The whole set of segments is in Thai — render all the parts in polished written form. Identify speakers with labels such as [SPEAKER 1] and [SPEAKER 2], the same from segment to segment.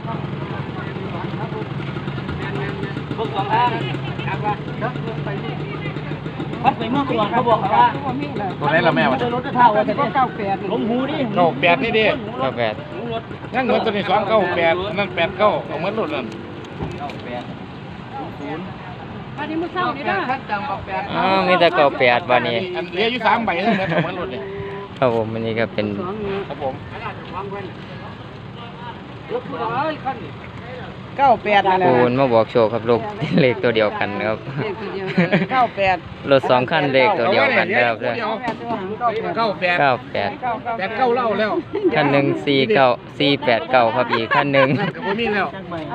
[SPEAKER 1] พวกสองทางพัดไปเมื่อก่อนเขาบอกว่า
[SPEAKER 2] ตัวไหนละแม่วะ
[SPEAKER 1] รถจะเท่ากันล้มหูดิ
[SPEAKER 2] 98นี่ดิ
[SPEAKER 3] 98
[SPEAKER 2] งั้นเหมือนตัวนี้298นั่น89เอาเหมือนรถนั่น
[SPEAKER 4] อันนี้มือเศร้านี่เด้อ
[SPEAKER 3] อ๋อมีแต่98บัดนี้
[SPEAKER 2] อันเหลืออยู่3ใบนั่นเหมือนรถนี่
[SPEAKER 3] ครับผมอันนี้ก็เป็น
[SPEAKER 2] ครับผม
[SPEAKER 1] 98อะไร
[SPEAKER 3] ปูนมาบอกโชคครับลูก เลขตัวเดียวกันครับ
[SPEAKER 1] 98
[SPEAKER 3] รถ2คันเลขตัวเดียวกันนะครับเด้อ
[SPEAKER 2] 98 89เล่าแล้ว
[SPEAKER 3] คันหนึ่ง489ครับอีกคันหนึ่ง
[SPEAKER 2] นั่นก็บ่มีแล้ว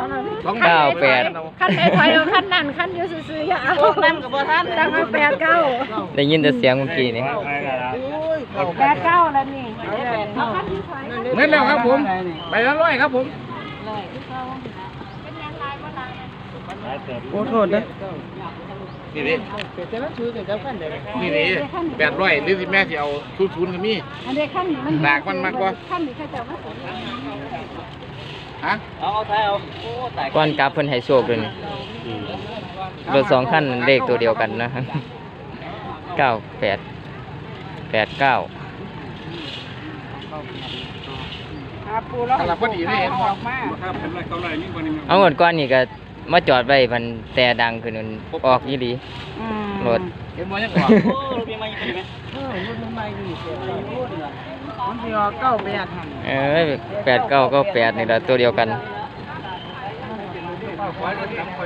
[SPEAKER 3] 98
[SPEAKER 4] ขั้นไหนถอยเอาขั้นนั้นขั้นเดียวซื่อๆอย่าเอานั่นกับบ่ทันตั้งมา89
[SPEAKER 3] ได้ยินแต่เสียงเมื่อกี้นี่
[SPEAKER 4] 89แล้วนี่เอาขั้นที่ถอย
[SPEAKER 2] เหมือนแล้วครับผมใบละ100ครับผม
[SPEAKER 1] โอ้โทษนะ
[SPEAKER 2] นี่ดินี่ดิ800หรือสิแม่สิเอา00ก็มี
[SPEAKER 4] อันนี้ขั้นนี้มัน
[SPEAKER 2] ดากมันมากกว่า
[SPEAKER 4] ขั้นนี้เขาจะว่า
[SPEAKER 2] ฮะ
[SPEAKER 1] เอาท้ายเอาโอ้ตาย
[SPEAKER 3] ก่อนกลับเพิ่นให้โชคด้วยนี่รถ2คันเลขตัวเดียวกันนะ98 89
[SPEAKER 1] ปูแล้ว
[SPEAKER 2] ถ้าเราพอดีได้เห็นบ่
[SPEAKER 3] เอาหมดก่อนนี่ก็มาจอดไว้มันแต่ดังขึ้นนั่นออกอีหลีรถ
[SPEAKER 2] เห็นบ่ยังก่อน
[SPEAKER 1] โอ้รถมีมาอยู่ไหมรุ่นใหม่นี่มันสิออก98หั่น
[SPEAKER 3] 89 98นี่ล่ะตัวเดียวกัน